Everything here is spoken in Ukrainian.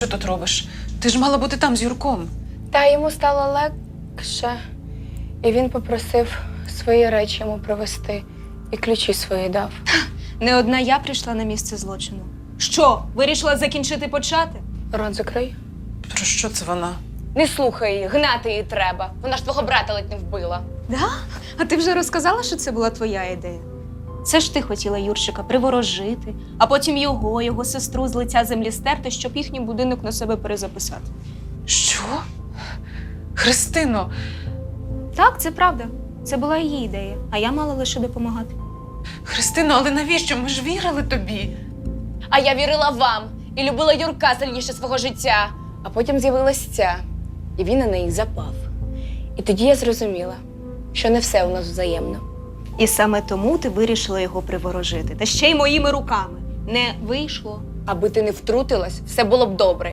Що тут робиш? Ти ж мала бути там з Юрком. Та йому стало легше, і він попросив свої речі йому привезти і ключі свої дав. Не одна я прийшла на місце злочину. Що, вирішила закінчити почати? Рот закрий. Про що це вона? Не слухай її, гнати її треба. Вона ж твого брата ледь не вбила. Да? А ти вже розказала, що це була твоя ідея? Це ж ти хотіла Юрчика приворожити, а потім його сестру з лиця землі стерти, щоб їхній будинок на себе перезаписати. Що? Христино, Так, це правда. Це була її ідея, а я мала лише допомагати. Христино, але навіщо? Ми ж вірили тобі. А я вірила вам і любила Юрка сильніше свого життя. А потім з'явилась ця, і він на неї запав. І тоді я зрозуміла, що не все у нас взаємно. І саме тому ти вирішила його приворожити. Та ще й моїми руками. Не вийшло. Аби ти не втрутилась, все було б добре.